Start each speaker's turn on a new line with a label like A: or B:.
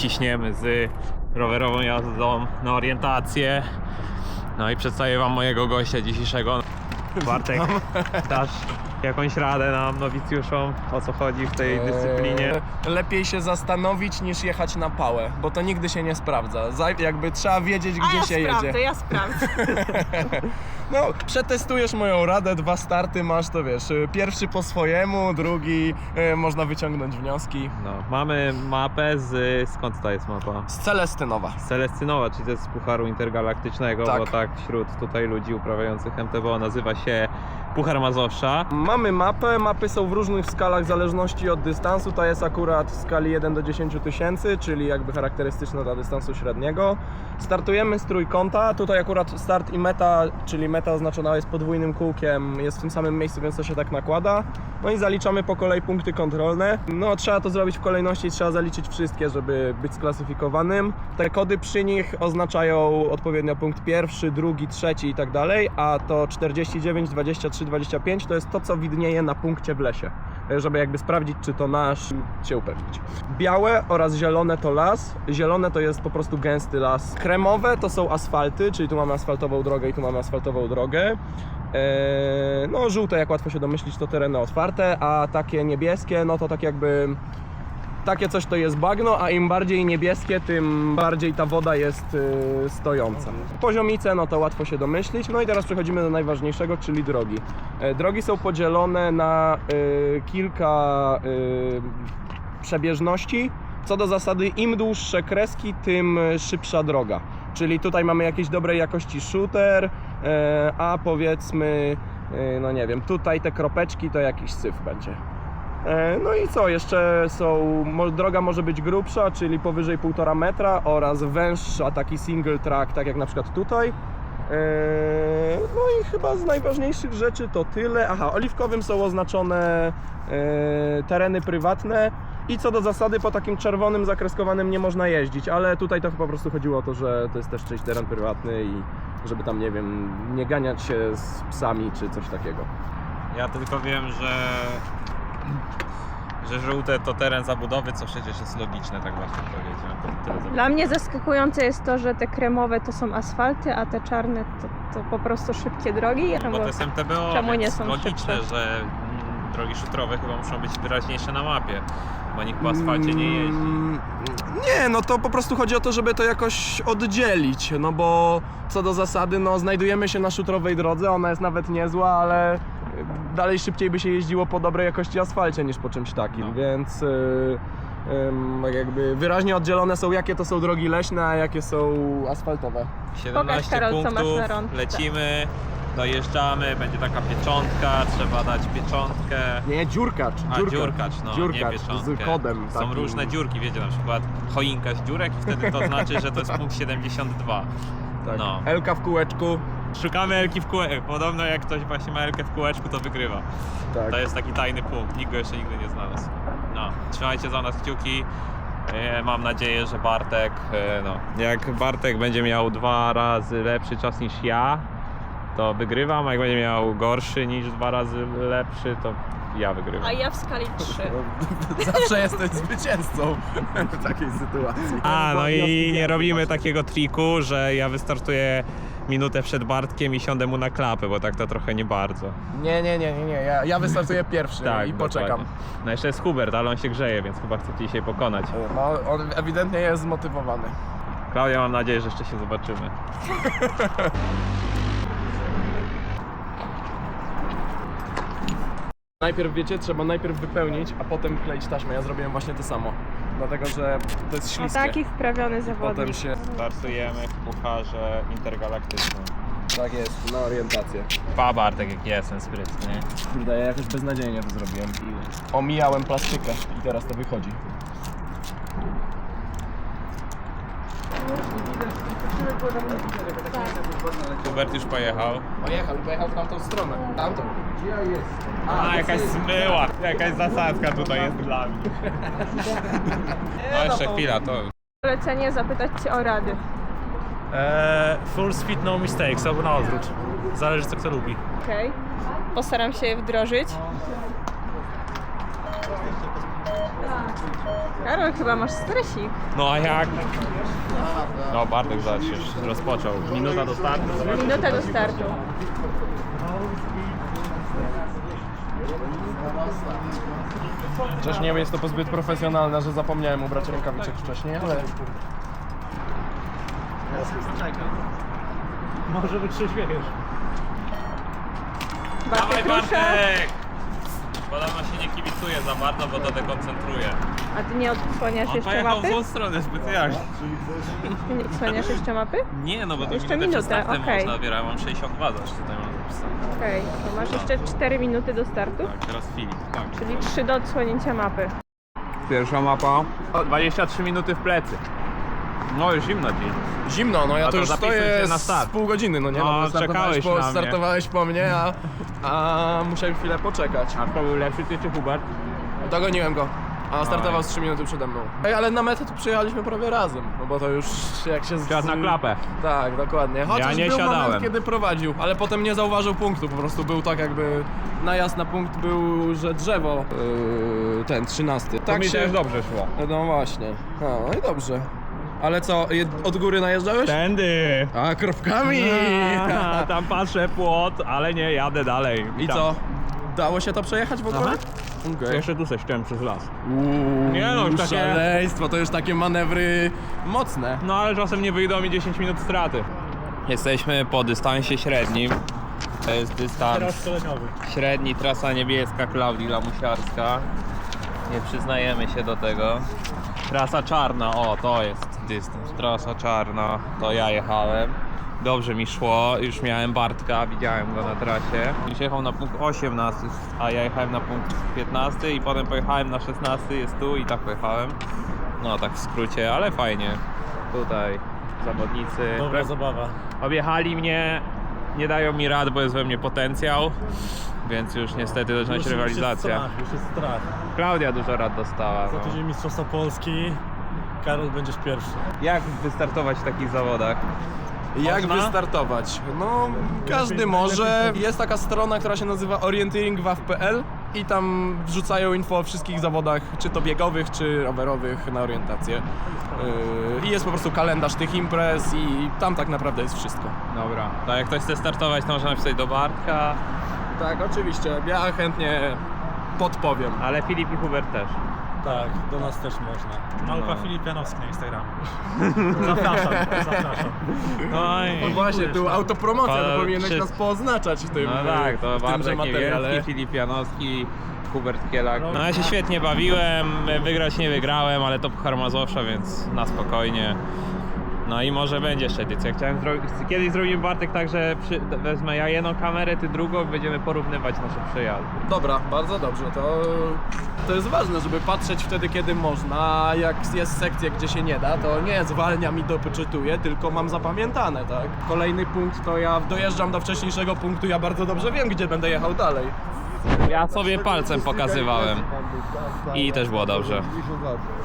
A: ciśniemy z rowerową jazdą na orientację. No i przedstawię wam mojego gościa dzisiejszego. Bartek, dasz jakąś radę nam, nowicjuszom, o co chodzi w tej dyscyplinie?
B: Lepiej się zastanowić niż jechać na pałę, bo to nigdy się nie sprawdza. Jakby trzeba wiedzieć, gdzie się jedzie.
C: Ja sprawdzę.
B: No, przetestujesz moją radę, 2 starty masz, to wiesz, pierwszy po swojemu, drugi można wyciągnąć wnioski.
A: No, mamy mapę skąd to jest mapa?
B: Z Celestynowa.
A: Z Celestynowa, czyli to jest z Pucharu Intergalaktycznego,
B: Tak.
A: bo tak wśród tutaj ludzi uprawiających MTB nazywa się Puchar Mazowsza.
B: Mamy mapę, mapy są w różnych skalach w zależności od dystansu, ta jest akurat w skali 1 do 10 tysięcy, czyli jakby charakterystyczna dla dystansu średniego. Startujemy z trójkąta, tutaj akurat start i meta, czyli meta oznaczona jest podwójnym kółkiem, jest w tym samym miejscu, więc to się tak nakłada. No i zaliczamy po kolei punkty kontrolne. No trzeba to zrobić w kolejności, trzeba zaliczyć wszystkie, żeby być sklasyfikowanym. Te kody przy nich oznaczają odpowiednio punkt pierwszy, drugi, trzeci i tak dalej, a to 49, 23, 25 to jest to, co widnieje na punkcie w lesie, żeby jakby sprawdzić, czy to nasz, się upewnić. Białe oraz zielone to las, zielone to jest po prostu gęsty las. Kremowe to są asfalty, czyli tu mamy asfaltową drogę i tu mamy asfaltową drogę. No żółte, jak łatwo się domyślić, to tereny otwarte, a takie niebieskie, no to tak jakby takie coś to jest bagno, a im bardziej niebieskie, tym bardziej ta woda jest stojąca. Poziomice, no to łatwo się domyślić. No i teraz przechodzimy do najważniejszego, czyli drogi. Drogi są podzielone na kilka przebieżności. Co do zasady, im dłuższe kreski, tym szybsza droga. Czyli tutaj mamy jakiejś dobrej jakości shooter, a powiedzmy, no nie wiem, tutaj te kropeczki to jakiś syf będzie. No i co, jeszcze droga może być grubsza, czyli powyżej 1,5 metra oraz węższa, taki single track, tak jak na przykład tutaj. No i chyba z najważniejszych rzeczy to tyle. Aha, oliwkowym są oznaczone tereny prywatne i co do zasady po takim czerwonym zakreskowanym nie można jeździć, ale tutaj to po prostu chodziło o to, że to jest też czyjś teren prywatny i żeby tam, nie wiem, nie ganiać się z psami czy coś takiego.
A: Ja tylko wiem, że żółte to teren zabudowy, co przecież jest logiczne, tak właśnie powiedziałem.
C: Dla mnie zaskakujące jest to, że te kremowe to są asfalty, a te czarne to po prostu szybkie drogi.
A: Bo to jest MTBO,
C: czemu nie
A: więc
C: są
A: logiczne,
C: szybsze?
A: że drogi szutrowe chyba muszą być wyraźniejsze na mapie, bo nikt po asfalcie nie jeździ.
B: Nie, no to po prostu chodzi o to, żeby to jakoś oddzielić, no bo co do zasady, no znajdujemy się na szutrowej drodze, ona jest nawet niezła, ale dalej szybciej by się jeździło po dobrej jakości asfalcie niż po czymś takim,
A: No.
B: więc jakby wyraźnie oddzielone są, jakie to są drogi leśne, a jakie są asfaltowe.
A: 17
C: Karol, co masz
A: punktów,
C: na rączce.
A: lecimy, dojeżdżamy, będzie taka pieczątka, trzeba dać pieczątkę.
B: Nie, dziurkacz,
A: Dziurkacz, no nie
B: dziurkacz
A: pieczątkę.
B: z kodem
A: Są
B: takim.
A: różne dziurki, wiecie, na przykład choinka z dziurek i wtedy to znaczy, że to jest punkt 72.
B: Tak.
A: No.
B: Elka w kółeczku.
A: Szukamy Elki w kółeczku. Podobno jak ktoś właśnie ma Elkę w kółeczku, to wygrywa.
B: Tak.
A: To jest taki tajny punkt, nikt go jeszcze nigdy nie znalazł. No, trzymajcie za nas kciuki. Mam nadzieję, że Bartek, no, jak Bartek będzie miał 2 razy lepszy czas niż ja, to wygrywam, a jak będzie miał gorszy niż 2 razy lepszy, to ja wygrywam.
C: A ja w skali 3.
B: Zawsze jesteś zwycięzcą w takiej sytuacji.
A: No i nie robimy takiego triku, że ja wystartuję minutę przed Bartkiem i siądę mu na klapę, bo tak to trochę nie bardzo.
B: Nie. Ja wystartuję pierwszy i poczekam.
A: dokładnie. No jeszcze jest Hubert, ale on się grzeje, więc chyba chce dzisiaj pokonać.
B: No, on ewidentnie jest zmotywowany.
A: Klaudia, mam nadzieję, że jeszcze się zobaczymy.
B: Najpierw, wiecie, trzeba najpierw wypełnić, a potem kleić taśmę. Ja zrobiłem właśnie to samo. Dlatego, że to jest śliskie.
C: Taki wprawiony zawodnik.
B: Potem się...
A: Startujemy w Pucharze Intergalaktycznym.
B: Tak jest, na orientację.
A: Pa Bartek, jak jestem sprytny.
B: Kurde, ja jakoś beznadziejnie to zrobiłem. Omijałem plastykę i teraz to wychodzi.
A: Hubert już pojechał.
B: Pojechał w tamtą stronę. Tamtą. Gdzie ja jestem?
A: Jakaś zmyła, jakaś zasadzka tutaj jest dla mnie. No jeszcze chwila, to...
C: Polecenie zapytać Cię o rady.
D: Full speed, no mistakes, albo na odwrót. Zależy co kto lubi.
C: Okej. Postaram się je wdrożyć. Karol, chyba masz stresik.
A: No a jak? No Bartek zaś już rozpoczął. Minuta do startu. Zobacz.
C: Minuta do startu.
B: Chociaż nie wiem, jest to zbyt profesjonalne, że zapomniałem ubrać rękawiczek wcześniej, ale...
D: Może wytrzeźwiejesz.
A: Dawaj
C: Bartek rusza.
A: Bartek! Podobno się nie kibicuje za bardzo, bo to dekoncentruje.
C: A ty nie odsłaniasz
A: On
C: jeszcze
A: pojechał w
C: mapy?
A: tą stronę specjalnie.
C: Ty nie odsłaniasz jeszcze mapy?
A: Nie, no bo to
C: Jeszcze
A: minutę przed
C: minutę,
A: startem
C: okej.
A: można dopiero, ja mam 62 zaś tutaj mam zapisane.
C: Okej, to masz jeszcze 4 minuty do startu,
A: Tak, teraz Filip. Tak.
C: czyli 3 do odsłonięcia mapy.
A: Pierwsza mapa. 23 minuty w plecy. No już zimno dziś.
B: Zimno, no ja
A: A
B: to
A: to
B: już
A: zapisuj
B: stoję
A: się na
B: z
A: start.
B: pół godziny, no nie?
A: No,
B: bo
A: czekałeś na mnie.
B: startowałeś po mnie, a musiałem chwilę poczekać.
A: A kto był lepszy, ty czy Hubert?
B: Dogoniłem go, a startował
A: Oj.
B: z 3 minuty przede mną. Ej, ale na metę to przyjechaliśmy prawie razem, no bo to już jak się...
A: Siadł na klapę.
B: Tak, dokładnie. Chociaż
A: nie
B: był
A: siadałem.
B: moment, kiedy prowadził, ale potem nie zauważył punktu, po prostu był tak jakby... Najazd na punkt był, że drzewo, ten 13.
A: Tak mi też dobrze szło.
B: No właśnie. No i dobrze. Ale co, od góry najeżdżałeś?
A: Tędy!
B: A, kropkami!
A: Tam patrzę płot, ale nie, jadę dalej.
B: I
A: Tam.
B: co? Dało się to przejechać w ogóle?
A: Aha.
B: Okej.
A: Jeszcze tu se ściąłem przez las.
B: Uuu,
A: Nie no, już takie-
B: szaleństwo, to już takie manewry mocne.
A: No ale czasem nie wyjdą mi 10 minut straty. Jesteśmy po dystansie średnim. To jest dystans
D: Teraz szkoleniowy.
A: średni, trasa niebieska, Klaudii Lamusiarska. Nie przyznajemy się do tego. Trasa czarna, o to jest dystans. Trasa czarna, to ja jechałem. Dobrze mi szło, już miałem Bartka, widziałem go na trasie. Już jechał na punkt 18, a ja jechałem na punkt 15 i potem pojechałem na 16, jest tu i tak pojechałem. No tak w skrócie, ale fajnie. Tutaj zawodnicy.
D: Dobra zabawa.
A: Objechali mnie, nie dają mi rad, bo jest we mnie potencjał. Więc już niestety zaczyna się rywalizacja.
D: Już jest strach.
A: Klaudia dużo rad dostała.
D: Za
A: No.
D: tydzień Mistrzostwa Polski. Karol, będziesz pierwszy.
A: Jak wystartować w takich zawodach?
B: Jak
A: Można?
B: wystartować? No, każdy może. Jest taka strona, która się nazywa orienteeringwaw.pl i tam wrzucają info o wszystkich zawodach, czy to biegowych, czy rowerowych na orientację. I jest po prostu kalendarz tych imprez i tam tak naprawdę jest wszystko.
A: Dobra. To jak ktoś chce startować, to można napisać do Bartka,
B: Tak, oczywiście. Ja chętnie podpowiem.
A: ale Filip i Hubert też.
D: Tak, do nas też można. Małpa
A: No.
D: Filip Janowski na Instagramie. Zapraszam, zapraszam.
A: No i...
B: No właśnie, tu autopromocja,
A: Ale
B: to powinieneś
A: czy-
B: nas poznaczać w tym,
A: No tak, to
B: w tymże
A: Bartek
B: materiale.
A: Niewielki, Filip Janowski, Hubert Kielak. No ja się świetnie bawiłem, wygrać nie wygrałem, ale to Puchar Mazowsza, więc na spokojnie. No i może będzie jeszcze edycja. Kiedyś zrobimy Bartek tak, że wezmę ja jedną kamerę, ty drugą i będziemy porównywać nasze przejazdy.
B: Dobra, bardzo dobrze. To jest ważne, żeby patrzeć wtedy, kiedy można. A jak jest sekcja, gdzie się nie da, to nie zwalniam i doczytuję, tylko mam zapamiętane, tak? Kolejny punkt to ja dojeżdżam do wcześniejszego punktu, ja bardzo dobrze wiem, gdzie będę jechał dalej.
A: Ja sobie palcem pokazywałem i też było dobrze.